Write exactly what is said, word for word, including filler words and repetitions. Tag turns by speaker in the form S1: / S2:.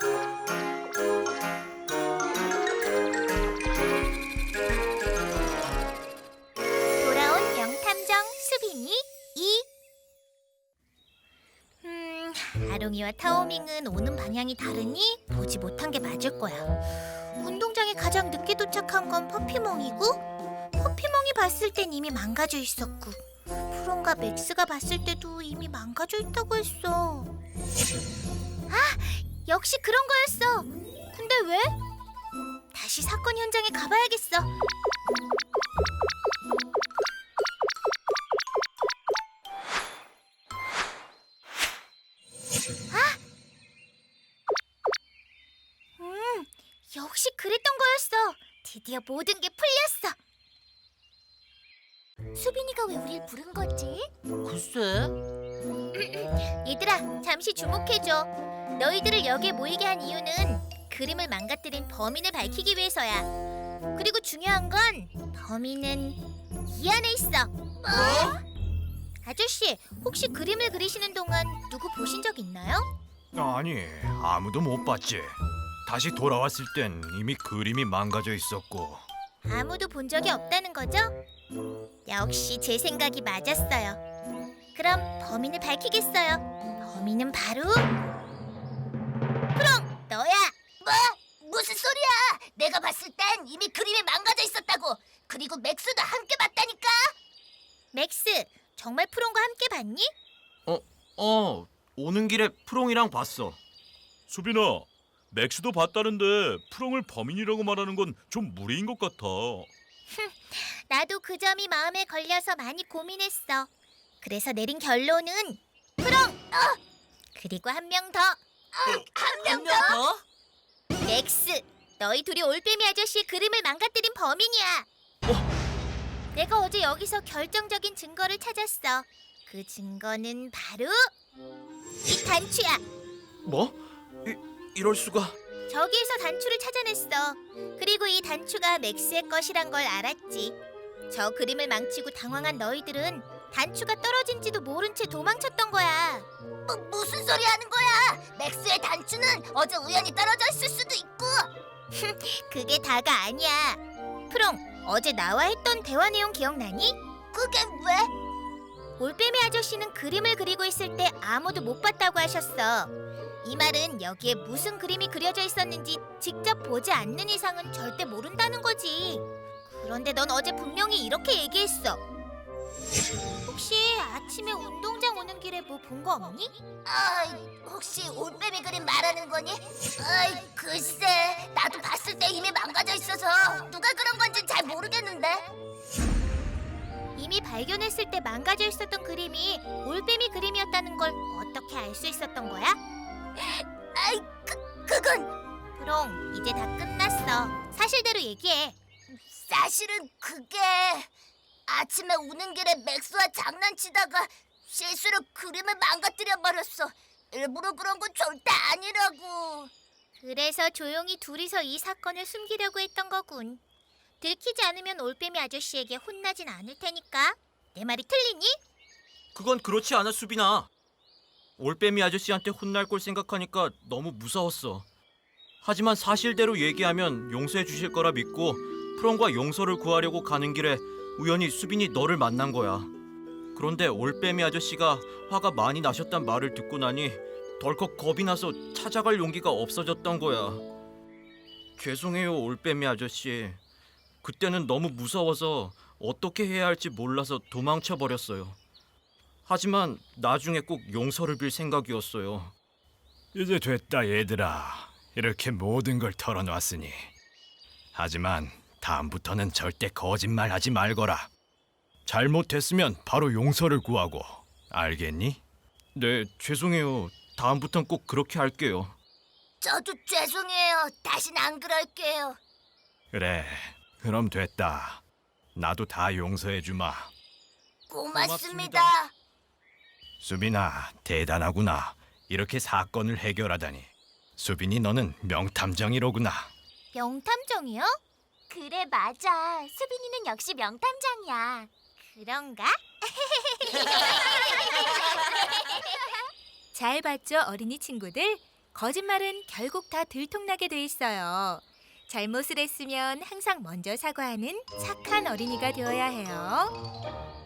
S1: 돌아온 명탐정 수빈이 이. 음, 아롱이와 타오밍은 오는 방향이 다르니 보지 못한 게 맞을 거야. 운동장에 가장 늦게 도착한 건 퍼피멍이고, 퍼피멍이 봤을 땐 이미 망가져 있었고, 프론과 맥스가 봤을 때도 이미 망가져 있다고 했어. 아, 역시 그런 거였어. 근데 왜? 다시 사건 현장에 가봐야겠어. 음, 역시 그랬던 거였어. 드디어 모든 게 풀렸어. 수빈이가 왜 우릴 부른 거지?
S2: 글쎄.
S1: 얘들아, 잠시 주목해줘. 너희들을 여기에 모이게 한 이유는 그림을 망가뜨린 범인을 밝히기 위해서야. 그리고 중요한 건 범인은 이 안에 있어. 뭐? 아저씨, 혹시 그림을 그리시는 동안 누구 보신 적 있나요?
S3: 아니, 아무도 못 봤지. 다시 돌아왔을 땐 이미 그림이 망가져 있었고.
S1: 아무도 본 적이 없다는 거죠? 역시 제 생각이 맞았어요. 그럼 범인을 밝히겠어요. 범인은 바로 프롱, 너야.
S4: 뭐? 무슨 소리야? 내가 봤을 땐 이미 그림이 망가져 있었다고. 그리고 맥스도 함께 봤다니까.
S1: 맥스, 정말 프롱과 함께 봤니?
S3: 어, 어, 오는 길에 프롱이랑 봤어.
S5: 수빈아, 맥스도 봤다는데 프롱을 범인이라고 말하는 건 좀 무리인 것 같아.
S1: 나도 그 점이 마음에 걸려서 많이 고민했어. 그래서 내린 결론은 프롱! 어! 그리고 한 명 더,
S4: 한 명
S2: 한 명 더?
S1: 맥스. 너희 둘이 올빼미 아저씨의 그림을 망가뜨린 범인이야. 내가 어제 여기서 결정적인 증거를 찾았어. 그 증거는 바로 이 단추야.
S3: 뭐? 이, 이럴 수가.
S1: 저기에서 단추를 찾아냈어. 그리고 이 단추가 맥스의 것이란 걸 알았지. 저 그림을 망치고 당황한 너희들은 단추가 떨어진지도 모른 채 도망쳤던 거야.
S4: 뭐, 무슨 소리 하는 거야? 맥스의 단추는 어제 우연히 떨어져 있을 수도 있고.
S1: 그게 다가 아니야. 프롱, 어제 나와 했던 대화 내용 기억나니?
S4: 그게 왜?
S1: 올빼미 아저씨는 그림을 그리고 있을 때 아무도 못 봤다고 하셨어. 이 말은 여기에 무슨 그림이 그려져 있었는지 직접 보지 않는 이상은 절대 모른다는 거지. 그런데 넌 어제 분명히 이렇게 얘기했어. 혹시 아침에 운동장 오는 길에 뭐 본 거 없니?
S4: 아, 혹시 올빼미 그림 말하는 거니? 아이, 글쎄, 나도 봤을 때 이미 망가져 있어서 누가 그런 건지 잘 모르겠는데.
S1: 이미 발견했을 때 망가져 있었던 그림이 올빼미 그림이었다는 걸 어떻게 알 수 있었던 거야?
S4: 아이, 그, 그건
S1: 프롱, 이제 다 끝났어. 사실대로 얘기해.
S4: 사실은 그게 아침에 오는 길에 맥스와 장난치다가 실수로 그림을 망가뜨려 버렸어. 일부러 그런 건 절대 아니라고.
S1: 그래서 조용히 둘이서 이 사건을 숨기려고 했던 거군. 들키지 않으면 올빼미 아저씨에게 혼나진 않을 테니까. 내 말이 틀리니?
S3: 그건 그렇지 않아, 수빈아. 올빼미 아저씨한테 혼날 걸 생각하니까 너무 무서웠어. 하지만 사실대로 얘기하면 용서해 주실 거라 믿고 프롱과 용서를 구하려고 가는 길에 우연히 수빈이 너를 만난 거야. 그런데 올빼미 아저씨가 화가 많이 나셨단 말을 듣고 나니 덜컥 겁이 나서 찾아갈 용기가 없어졌던 거야. 죄송해요, 올빼미 아저씨. 그때는 너무 무서워서 어떻게 해야 할지 몰라서 도망쳐 버렸어요. 하지만 나중에 꼭 용서를 빌 생각이었어요.
S6: 이제 됐다 얘들아. 이렇게 모든 걸 털어놨으니. 하지만 다음부터는 절대 거짓말하지 말거라. 잘못했으면 바로 용서를 구하고. 알겠니?
S3: 네, 죄송해요. 다음부턴 꼭 그렇게 할게요.
S4: 저도 죄송해요. 다신 안 그럴게요.
S6: 그래, 그럼 됐다. 나도 다 용서해주마.
S4: 고맙습니다.
S6: 수빈아, 대단하구나. 이렇게 사건을 해결하다니. 수빈이 너는 명탐정이로구나.
S1: 명탐정이요?
S4: 그래, 맞아. 수빈이는 역시 명탐정이야.
S1: 그런가?
S7: 잘 봤죠, 어린이 친구들?
S2: 거짓말은 결국 다 들통나게 돼 있어요. 잘못을 했으면 항상 먼저 사과하는 착한 어린이가 되어야 해요.